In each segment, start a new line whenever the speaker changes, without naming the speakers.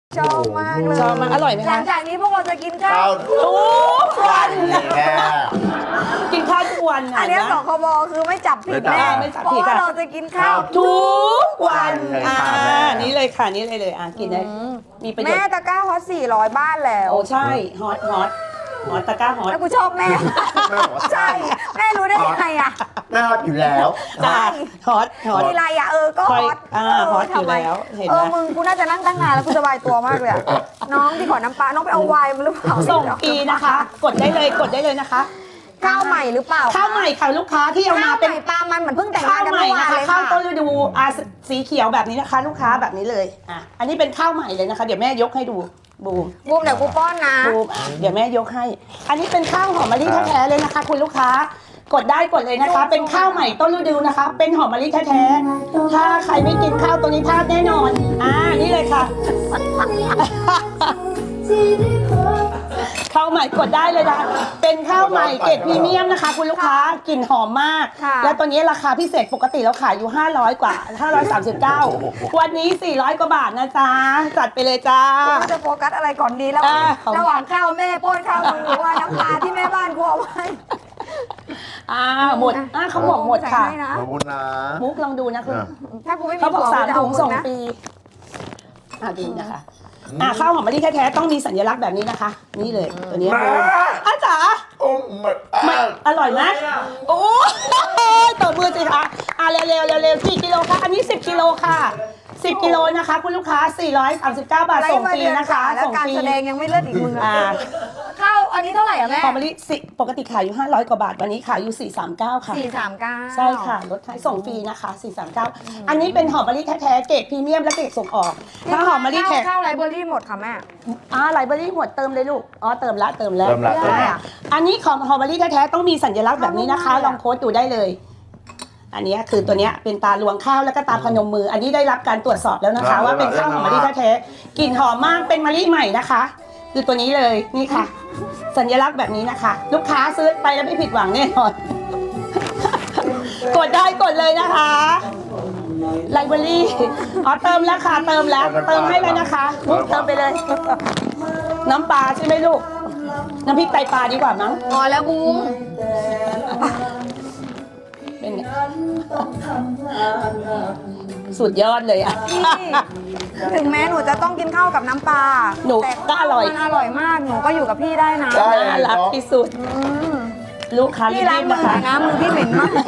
ชอบมากเลย
ชอบมากอร่อยไหม
หลั
คะ
งจากนี้พวกเราจะกินข้าว
ทุกวัน
แค่
กินข้าวทุกวัน
อันนี้สคบคือไม่จับผิดแน่
ไม่จับ
เพ
ผิด
ราะว่า
ค่ะ
เราจะกินข้าว
ทุกวันนี่เลยค่ะนี่เลยกินได้มีประโยช
แม่
น์
ตะกร้าฮอต400 บ้านแล้ว
โอ้ใช่ฮอตตะกร้าฮอต
แล้วกูชอบแม่
แม่บอกว่า
ใช่แม่รู้ได้ยังไงอ่ะ
แม่อยู่แล้ว
จ้าฮอต
มีอะไรอ่ะก็ฮอต
ฮอตอยู่แล้วเห็นไหม
มึงกูน่าจะนั่งตั้งนานแล้วกูสบายตัวมากเลยอะน้องที่ขอน้ำปลาน้องไปเอาไวน์มาหรือเปล่า
ส่งฟรีนะคะ กดได้เลยนะคะ
ข้าวใหม่หรือเปล่า
ข้าวใหม่ค่ะลูกค้าที่เอา
ข้า
มา
วให
เป็น
ม่ปลามันเหมือนเพิ่งแต่งาน
ข้างว
กัน
ใหม่
เมื่อวา
นะ
น
คะ
เลย
ข้า
ค่ะ
วต้นฤดูสีเขียวแบบนี้นะคะ ลูกค้าแบบนี้เลยอันนี้เป็นข้าวใหม่เลยนะคะ เดี๋ยวแม่ยกให้ดูบูม
บูมเดี๋ยวกูป้อนนะ
บูมเดี๋ยวแม่ยกให้ อันนี้เป็นข้าวหอมมะลิแท้ๆเลยนะคะ คุณลูกค้ากดได้กดเลยนะคะ เป็นข้าวใหม่ต้นฤดูนะคะ เป็นหอมมะลิแท้ๆถ้าใครไม่กินข้าวตัวนี้พลาดแน่นอนนี่เลยค่ะ ข้าวใหม่กดได้เลยนะเป็นข้าวใหม่เกรดพรีเมียมนะคะ คุณลูกค้ากลิ่นหอมมาก
ค่ะ
และตัวนี้ราคาพิเศษปกติเราขายอยู่500กว่า539วันนี้400กว่าบาทนะจ๊ะจัดไปเลยจ้า
กูจะโฟกัสอะไรก่อนดีแล้ว
ของ
ระหว่างข้าวแม่ป้อนข้าวมึงหรือว่าน้ำปลาที่แม่บ้านกูเอาไว้
หมดเขาบอกหมดค่ะ
ใส่ให้นะ
ขอบคุณนะ
มุกลองดูนะคุณ
ถ้ากูไม่มี
เขาบอก
ผัว
3
จะ
ถุ
เอา
ง
มึ
ส่ง
นะ
ปีดูนะคะข้าวหอมมะลิแท้ๆต้องมีสัญลักษณ์แบบนี้นะคะ นี่เลยตัวนี้จ๋า
โอ้มัน
อร่อยไหมโอ้ยต่อมือสิคะเร็วกี่กิโลคะอันนี้10กิโลค่ะ10กิโลนะคะคุณลูกค้า439 บาทส่งฟรีนะคะ
แล้ว
ส่ง
การ
ฟรี
แสดงยังไม่เลิศอีกมึงอะข้าวอันนี้เท่าไหร่อะแม่
หอมมะลิปกติขายอยู่500กว่าบาทวันนี้ขายอยู่439ค่ะ
439
ใช่ค่ะลดให้ส่งฟรีนะคะ439อันนี้เป็นหอมมะลิแท้ๆเกรดพรีเมียมและเกรดส่งออกถ้าหอมมะลิแท้
ข้าวไรเบอรี่หมดค่ะแม่
ไลบรารีหมดเติมเลยลูกเติมแล้ว
เริ่มละ
อันนี้ของหอมมะลิแท้ๆต้องมีสัญลักษณ์แบบนี้นะคะลองโค้ดดูได้เลย อันนี้คือตัวนี้เป็นตาลวงข้าวแล้วก็ตาพนมมือ อันนี้ได้รับการตรวจสอบแล้วนะคะ ว่าเป็นข้าวหอมมะลิแท้ๆกลิ่นหอมมากเป็นมะลิใหม่นะคะคือตัวนี้เลยนี่ค่ะ สัญลักษณ์แบบนี้นะคะ ลูกค้าซื้อไปแล้วไม่ผิดหวังแน่นอน กดได้กดเลยนะคะไลบรารีเติมแล้วค่ะเติมแล้วเติมให้เลยนะคะมุกเติมไปเลย น้ำปลาใช่ไหมลูกน้ำพริกไตปลาดีกว่ามั้ง
พอแล้วบูม
เป็นไงสุดยอดเลยอ่ะ
ถึงแม้หนูจะต้องกินข้าวกับน้ำปลา
หนู
แต่
ก็อร่อย
มันอร่อยมากหนูก็อยู่กับพี่ได้นะ
ใช่
น่ารักที่สุด ลูกค้ารี
พี่ล้าง
บๆ
มื
นะ
อ
คะ
นะมือพี่เหม็นมาก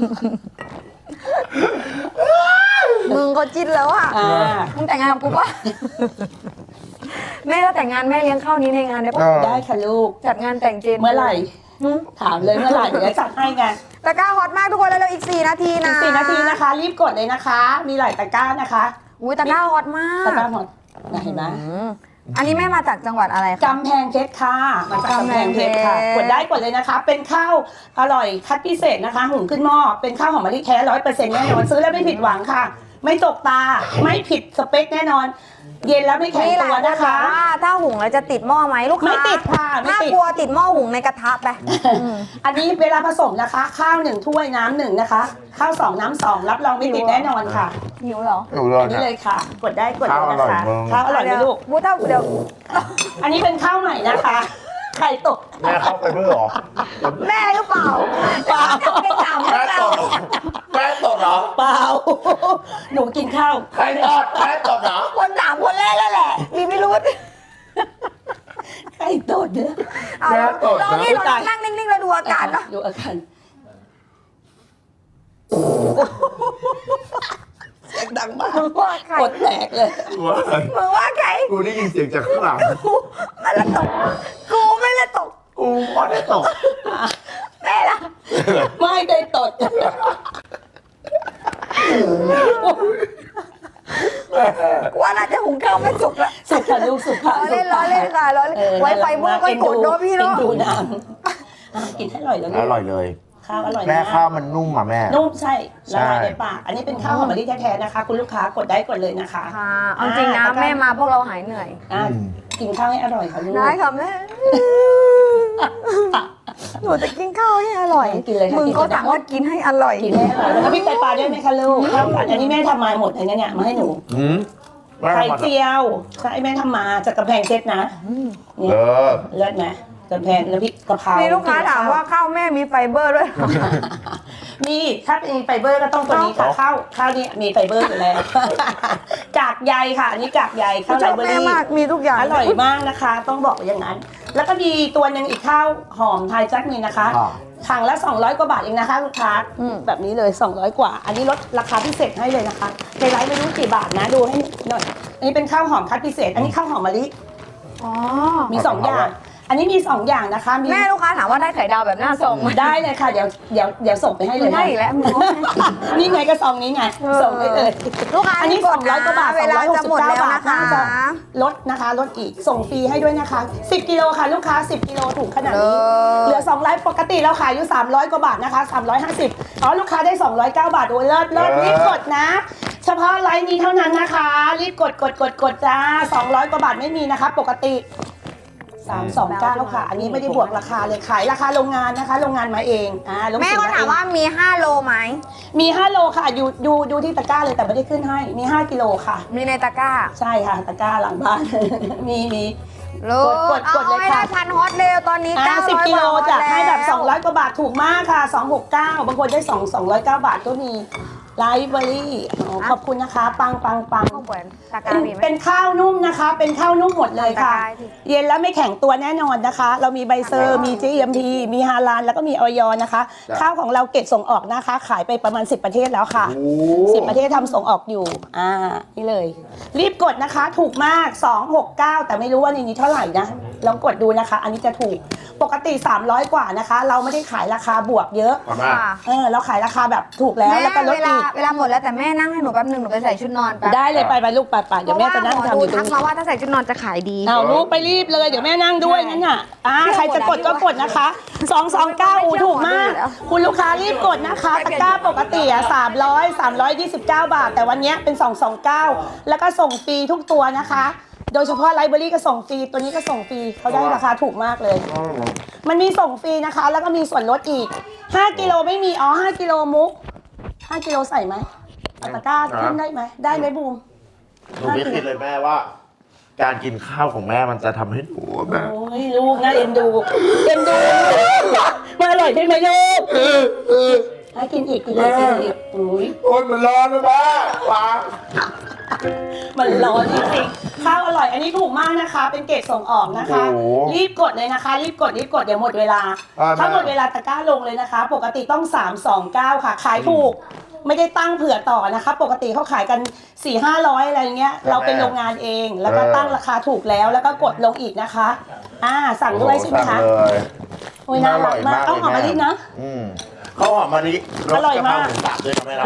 มึงก็จิ้นแล้วอ่ะมึงแต่งงานกับกูปะแม่ถ้าแต่งงานแม่เลี้ยงข้าวนี้ในงานได้ปะ
ได้ค่ะลูก
จัดงานแต่งเจน
เมื่อไหร่ถามเลยเมื่อไหร่เดี๋ยวจะจัดให้ไง
ตะกร้าฮอตมากทุกคนแล้วอีก4 นาที
อี
นะ
ก4 นาทีนะคะ รีบกดเลยนะคะ มีหลายตะกร้านะคะ
อุ้ยตะกร้าฮอตมา
ตะ
ก
กร้าหมดเห็นไหม
อันนี้แม่มาจากจังหวัดอะไรคะ
กำแพงเพชรค่ะมาจากกำแพงเพชรค่ะ
กำแพงเพชร
กดได้กดเลยนะคะ เป็นข้าวอร่อยคัดพิเศษนะคะ หุงขึ้นหม้อเป็นข้าวหอมมะลิแท้100%แน่นอนซื้อแล้วไม่ผิดหวังค่ะ ไม่ตกตาไม่ผิดสเปคแน่นอน เย็นแล้วไม่แข็ง
นี่แหละ
ตัวนะคะ
ว่าถ้าหุงแล้วจะติดหม้อไหมลูกค้า
ไม่ติดค่ะไม่
ถ้า
ติด
กลัวติดหม้อหุงในกระทะไป
อันนี้เวลาผสมนะคะ ข้าว1ถ้วยน้ำ1นะคะข้าว2น้ำ2รับรองไม่ติดแน่นอนค่ะ
หิวเหรอ
อยู่เลย
อันนี้เลยค่ะ กดได้กดเลยนะคะ
ข้าวอร่อยมึง
ข้าวอร่อยไหมลูก
บูถ้าเดี๋ยว
อันนี้เป็นข้าวใหม่นะคะไข่ตก
แม่เข้าไปเพื่อหรอ
แม่หรือเปล่า
เปล่า
ไม่ถาม
แม่ตดแม่ตดเหรอ
เปล่า หนูกินข้าว
ใครตดแม่ตดเหรอ
คนถามคนแรกแล้วแหละ มีไม่รู้
ไข่ตดเนี่ย
เอาลองนี่ลองนั่งนิ่งๆแล้วดูอาการเนาะ
ดูอาการเสียงดังมาก
มึงว่าใคร
กดแตกเลย
มึงว่าใคร
กูได้ยินเสียงจากข้างหลัง
มันละตก กูไม่ละตก
กูไม่ได้ตก
แม่ละ
ไม่ได้ตด
กูว่าน่าจะหุงข้าวไม่สุกละ
สุขค่ะลูกสุขค่ะ
ล้อเล่นค่ะล้อเล่นไว้ไฟเบอร์ก็กดเนาะพี่เนาะ
ดูนางกินให้อร่อยแล้วลู
อก ร่อยเลย
ข้าวอร่อย
แม่
นะ
ข้าวมันนุ่มอ่ะแม่
นุ่มใช่ละลาย
ใช่
ในปากอันนี้เป็นข้าวหอมมะลิแท้ๆนะคะ คุณลูกค้ากดได้กดเลยนะคะ
ค่ะเอาจริงนะแม่มาพวกเราหายเหนื่อย
กินข้าวให้อร่อยค่ะลูก
ได้ค่ะแม่ หนูจะกินข้าวให้อร่อย
กินเลยค่ะ
มึงก็สั่งว่ากินให้อร่อย
กินให้อร่อยแล้วก็พริกไตปลาด้วยไหมคะลูกข้าวผัดอันนี้แม่ทำมาหมดเลยนะเนี่ยมาให้หนู
อืม
ไข่เจียวใช่แม่ทำมาจากกำแพงเพชรนะนี่
เออ
เลิศไหมกำแพงน้ำพริกกะเพรา
มี
มี
ลูกค้าถามว่าข้าวแม่มีไฟเบอร์ด้วย
มีถ้าเป็นไฟเบอร์ก็ต้องตัวนี้ค่ะข้าวนี่มีไฟเบอร์อยู่แล้ว กากใยค่ะอันนี้กากใยข้าว
ช
ไร
อบ
เบอ
แม่
รี่
มากมีทุกอย่าง
อร่อยมากนะคะ ต้องบอกอย่างนั้น แล้วก็มีตัวหนึ่งอีกข้าวหอมไทยจักนี่นะคะ
ค่ะ
ถังละ200 กว่าบาทเองนะคะลูกค้าแบบนี้เลย200 กว่า อันนี้ลดราคาพิเศษให้เลยนะคะในไลฟ์ไม่รู้กี่บาทนะดูให้หน่อยอันนี้เป็นข้าวหอมคัดพิเศษ อันนี้ข้าวหอมมะลิ
อ๋อ
มี2อย่าง อันนี้มี2อย่างนะคะมี
แม่ลูกค้าถามว่าได้ไข่ดาวแบบหน้าซองไหม
ได้เลยค่ะเดี๋ยวส่งไปให้เลย
ได้
นะ
อีกแล้ว
นี่ไงก็ซองนี้ไงส่งได้เลย
ลูกค้า
อันนี้
กดนะ
200 กว่าบาท
เวลาจะหมดแล้ว
269 บาท
นะคะ
น่าจะลดนะคะลดอีกส่งฟรีให้ด้วยนะคะ10 กิโลค่ะลูกค้า10 กิโลถูกขนาดนี้เหลือ200ปกติเราขายอยู่300 กว่าบาทนะคะ350อ๋อลูกค้าได้209 บาทโอ้ยเลิศรีบกดนะ เฉพาะไลน์นี้เท่านั้นนะคะรีบกดจ้า200 กว่าบาทไม่มีนะคะปกติ329ค่ะอันนี้ไม่ได้บวกราคาเลยขายราคาโรงงานนะคะโรงงานมาเอง
แม่
โรงงน
ก็ถามว่ามี5โลไหม
มี5โลค่ะดูที่ตะกร้าเลยแต่ไม่ได้ขึ้นให้มี5 กิโลค่ะ
มีในตะกร้า
ใช่ค่ะตะกร้าหลังบ้าน มี
โล
กดเลย
เอาให้
ค่ะ
ได้พันฮอตเร็วตอนนี้900
10 กิโล
บาท
จะให้แบบ
แล้ว
200 กว่าบาทถูกมากค่ะ 269 บางคนได้209 บาทก็มีไลฟ์เบอรี่ขอบคุณนะคะ ปัง
ก็เหมือนตะกร้ามีไหม
เป็นข้าวนุ่มนะคะ เป็นข้าวนุ่มหมดเลยค่ะ
ตะกร้าดิ
เย็นแล้วไม่แข็งตัวแน่นอนนะคะ เรามีใบเซอร์ มี GMP มีฮาลาลแล้วก็มีออยนะคะ
จ้ะ
ข้าวของเราเก็บส่งออกนะคะ ขายไปประมาณ 10 ประเทศแล้วค่ะ
โอ้
10 ประเทศทำส่งออกอยู่ นี่เลย รีบกดนะคะ ถูกมาก 269 แต่ไม่รู้ว่าในนี้เท่าไหร่นะ ลองกดดูนะคะ อันนี้จะถูก ปกติ 300 กว่านะคะ เราไม่ได้ขายราคาบวกเยอะ
มา
ค่ะ
เราขายราคาแบบถูกแล้ว แล้วก็ลด
เวลา
อีก
เวลาหมดแล้วแต่แม่นั่งให้หนูแป๊บนึงหนูไปใส่ชุดนอนแป๊บ
ได้เลยไปลูกไปเดี๋ยวแม่จะนั่งทำอยู่ตร
ทั
ง
ก
นี้
มาว่าถ้าใส่ชุดนอนจะขายดี
เอาลูกไปรีบเลยเดี๋ยวแม่นั่งด้วยงั้นน่ะใครจะกดก็กดนะคะ229อูถูกมาก คุณลูกค้ารีบกดนะคะตะกร้าปกติ329 บาท แต่วันนี้เป็น229แล้วก็ส่งฟรีทุกตัวนะคะ โดยเฉพาะไลฟ์เบอรี่ก็ส่งฟรีตัวนี้ก็ส่งฟรีเขาได้ราคาถูกมากเลย มันมีส่งฟรีนะคะ แล้วก็มีส่วนลดอีก5 กิโลไม่มี5 กิโลมุก5 กิโลใส่ไหมเอาตะกร้าขึ้นได้ไหมได้ไหมบูม
หนูไม่คิดเลยแม่ว่า การกินข้าวของแม่มันจะทำให้หนูแบบ
โอ้ยลูกน่าเอ็นดูมันอร่อยใช่ไหมลูกให้กินอีกอุ้ย
โอ้ยมันร้อนนะแม่ว้า
มันร้อนจริงๆข้าวอร่อยอันนี้ถูกมากนะคะ เป็นเกรดส่งออกนะคะ รีบกดเลยนะคะ รีบกดเดี๋ยวหมดเวลาถ้าหมดเวลาตะกร้าลงเลยนะคะ ปกติต้อง329ค่ะขายถูกไม่ได้ตั้งเผื่อต่อนะคะ ปกติเขาขายกัน400-500อะไรเงี้ยเราเป็นโรงงานเองแล้วก็ตั้งราคาถูกแล้วแล้วก็กดลงอีกนะคะสั่งด้วยใช่ไหมคะ
สั่งเลย
โอ้ยน่ารักมากเอาหอมมะลินะ
ข้าวหอมมะลิ
อร่อยมาก
รสกะเพราหมูสับด้วยนะแม่นะ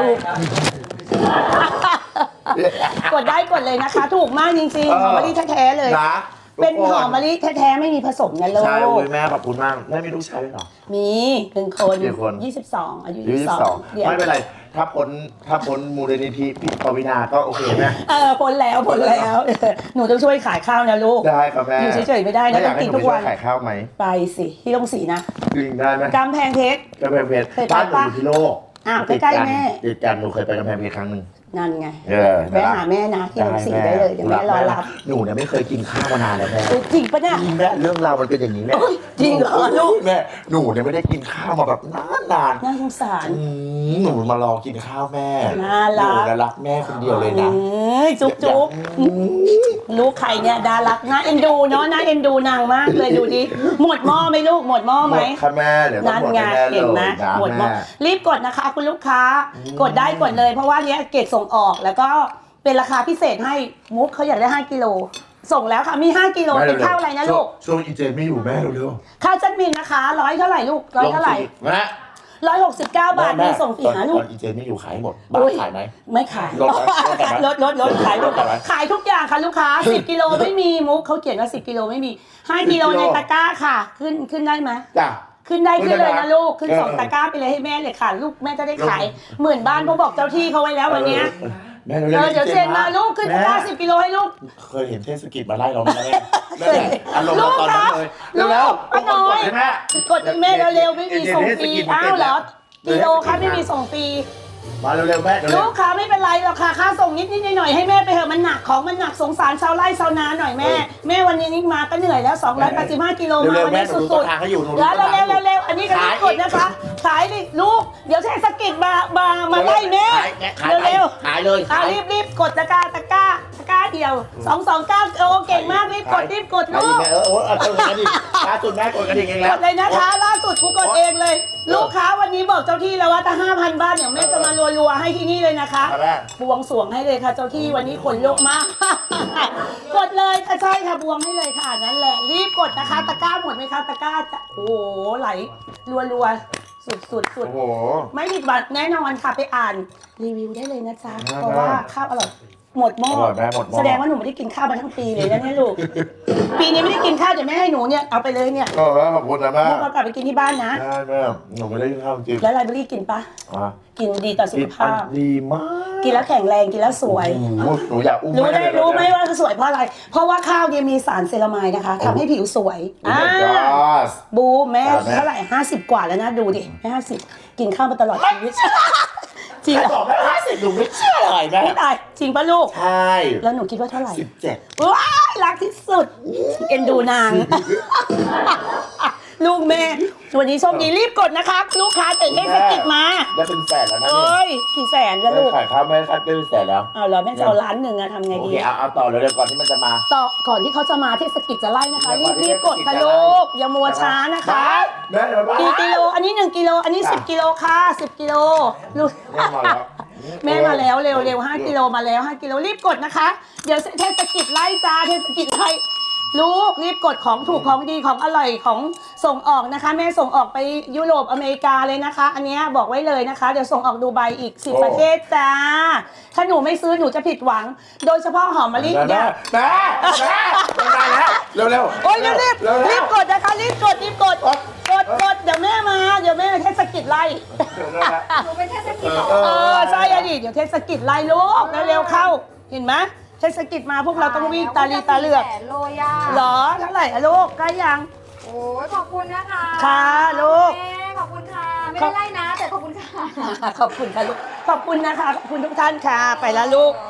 กดได้กดเลยนะคะ ถูกมากจริงๆหอมมะลิแท้ๆเลย
นะ
เป็นหอมมะลิแท้ๆไม่มีผสมนะลูก
ใช่โอ้ยแม่ขอบคุณมากแม่มีลูกชายด้วยเหรอ
มี1 คน
กี่คน
22อายุ
22
เดี๋ยว
ไม่เป็นไรถ้าพ้นมูลนิธิพี่ปวีนาก็โอเคแม่
พ้นแล้วหนูต้องช่วยขายข้าวนะลูก
ได้ครับแม่
อยู่เฉยๆไม่ได้นะ
อยากให้
ต้องกิน
หนู
ทุกวัน
ไปช่ยขายข้าวไหม
ไปสิที่ต้องสีนะ
จริงได้ไหม
กำแพงเพชร
กำแพงเพชร
เคยไป
บ้านหนู
ปะ
อยู่ที่โลก
อ้าวใกล้ๆแม่
ติดกันหนูเคยไปกำแพงเพชรครั้งหนึ่ง
นั่นไง
เออ
แวะหาแม่นะที่ต้องสีได้เลยเดี๋ยวแม่รอรับ
หนูเนี่ยไม่เคยกินข้าวมานานแล้วแม่
จริงปะเนี่ย
จริงแม่เรื่องราวมันเป็นอย่างนี้แม่
จริงเหรอลูก
แม่หนูเนี่ยไม่ได้กินข้าวมาแบบนาน
น่าสงสาร
หนูมารอกินข้าวแม่
น่ารัก
หนูน่ะรักแม่คนเดียวเลยนะ
จุ๊บลูกไข่เนี่ยดารักน่าเอ็นดูเนาะน่าเอ็นดูนางมากเลยดูดิหมดหม้อไหมลูกหมดหม้อ
ห
ไห
ม
ม
ดค่ะแม่เดี๋ยวต้อง
นั่น
หมด
ไง
ให้แม่เล
เห็
ย
นไหม
นะ
หมดหม้อ
แม่
รีบกดนะคะคุณลูกค้า กดได้กดเลยเพราะว่าเนี้ยเกรดส่งออกแล้วก็เป็นราคาพิเศษให้มุกเขาอยากได้5 กิโลส่งแล้วค่ะมี5 กิโลเป็นข้าวอะไรนะลูก
ช่วงอีเจนไม่อยู่แม่เร็ว
ข้าวจัดมินนะคะ100เท่าไหร่ลูก
ๆ
100เท่าไหร่
แม่
169 บาทมีส่งฟรีหาลู
ต
ก
อนอีเจนไม่อยู่ขายหมดบ้านขายไหม
ไม่ขาย
ลดไหมลดไหม
ลดขายหมด
ลดไหม
ขายทุกอย่างค่ะลูกค้า10 กิโลไม่มีมุกเขาเขียนว่า10 กิโลไม่มี5 กิโลในตะกร้าค่ะขึ้นได้ไหม
จ้ะ
ขึ้นได้ขึ้นเลยนะลูกขึ้น
เออ
2 ตะกร้าไปเลยให้แม่เลยค่ะลูกแม่จะได้ขายหมื่นบ้านเพราะบอกเจ้าที่เขาไว้แล้ววันเนี้ย
แม่เร็วๆ
เดี๋ยวเซ็นมาลูกขึ้นตะกร้า10 กิโลให้ลูก
เคยเห็นเทศกิจมาไล่เราไหมแม่อารมณ์เราตอนนั้นเลย
ลูก
แล้ว
ป้าน้อย
แม่
กดให้แม่เร็วๆไม่มีส่งฟรีอ้าวเหรอกิโลคะไม่มีส่งฟรี
มาเร็วๆแม่เร็
ลู
ว
กค้าไม่เป็นไรหรอกค่ะค่าส่งนิดๆหน่อยๆให้แม่ไปเถอะมันหนักของมันหนักสงสารชาวไร่ชาวนาหน่อยแม่แม่วันนี้นี่มาก็เหนื่อยแล้ว285กิโลมาวันนี้สุดๆแล้วเร็วๆอันนี้ก็รีบกดนะคะขายดิลูกเดี๋ยวเทศกิจมาไล่แม่เร็วๆ
ขายเลย
รีบกดตะกร้าเดียว229โอ้เก่งมากรีบกดลูก
แม่กดกันดิล่าสุดแม่กดกระดิ่งเอง
ก
แล้ว
ดเลยนะคะล่าสุดกูกดเองเลย ลูกค้าวันนี้บอกเจ้าที่แล้วว่าถ้า 5,000 บาทเนี่ยแม่จะมารัวๆให้ที่นี่เลยนะคะบวงสรวงให้เลยค่ะเจ้าที่วันนี้ขนลุกมาก กดเลยค่ะใช่ค่ะบวงให้เลยค่ะนั่นแหละรีบกดนะคะตะกร้าหมดไหมคะตะกร้าจะโอ้โหไหลรัวๆสุด
โอ้โห
ไม่ผิดหวังแน่นอนค่ะไปอ่านรีวิวได้เลยนะจ๊ะเพราะว่าข้าวอร่อยหมดหม้อ
อร่อยแม่หมดหม้อ
แสดงว่าหนูไม่ได้กินข้าวมาทั้งปีเลยนะเนี่ยลูก ปีนี้ไม่ได้กินข้าวเดี๋ยวแม่ให้หนูเนี่ยเอาไปเลยเนี่ย
ก็แม่ขอบคุณนะแม่
ลูกเอากลับไปกินที่บ้านนะ
ได้แม่หนูไม่ได้กินข้าวจริง
แล้วไลเบอรี่กินปะ
อ่ะ
กินดีต่อสุ
กิ
ข
น
ภาพ
ดีมาก
กินแล้วแข็งแรงกินแล้วสวย
หนูอยากอุ้ม
รู้ไหมว่าสวยเพราะอะไร เพราะว่าข้าวเนี่ยมีสารเซรามายนะคะทำให้ผิวสวย
โอ้ my god
บูแม่
ครับแม่
เท่าไหร่50 กว่าแล้วนะดูดิแม่50กินข้าวมาตลอดชีวิตจริง
ใคร
เหร
บ
อ
อกแม่50หนูไม่เชื่อเลยแม่
ไม่ตายจริงปะลูก
ใช่
แล้วหนูคิดว่าเท่าไหร่
17
ว้ายรักที่สุดเอ็นดูนาง ลูกแม่วันนี้โชคดีรีบกดนะคะลูกค้าเตะเทศกิจมา
ได้เป็นแสนแล้วนะ
เอ้ยกี่แสนแล้ว
ได้
ลูก
ขายข้าวแม่คัดได้เป็นแสนแล้ว
เอาเหรอแม่จะเอาล้านหนึ่งอะทำไง
โอ
ดี
เคเอาต่อเร็วๆก่อนที่มันจะมา
ต่อก่อนที่เขาจะมาเทศกิจจะไล่นะคะ
เดี๋ยวก่อนที่
รีบกดค่ะ
เทศกิจจะไล่
ลูกอย่ามัวช้านะคะ
แม่เดี๋ยวมา
กี่กิโลอันนี้1กิโลอันนี้10กิโลค่ะ10กิโลลูก
แม่มาแล้ว
แม่มาแล้วเร็ว5กิโลมาแล้ว5กิโลรีบกดนะคะ เดี๋ยวเทศกิจไล่จ้าเทศกิจไล่ลูกรีบกดของถูกของดีของอร่อยของส่งออกนะคะ แม่ส่งออกไปยุโรปอเมริกาเลยนะคะ อันนี้บอกไว้เลยนะคะ เดี๋ยวส่งออกดูไบอีก10ประเทศจ้าถ้าหนูไม่ซื้อหนูจะผิดหวัง โดยเฉพาะหอมมะลิ
แม่
เนี่ย
แม่ได้แล้วเร็วๆ
โอ้ยรีบกดนะคะรีบกดเดี๋ยวแม่มาเดี๋ยวแม่เทศกิจไล่
หนูเป็นเทศกิจเหรอ
ใช่อะดิเดี๋ยวเทศกิจไล่ลูกเร็วๆเข้าเห็นไหมเทศกิจมาพวกเราต้องวิ่งตาลีตาเหลือก
แสนโลย่า
เหรอเท่าไหร่อะลูกใกล้ยัง
โอ้ยขอบคุณนะคะ
ค่ะลูก
แม่ขอบคุณค่ะ ไม่ได้ไล่นะ แต่ขอบคุณค่ะ
ขอบคุณค่ะลูกขอบคุณนะคะขอบคุณทุกท่านค่ะ ไปแล้วลูก
โอ้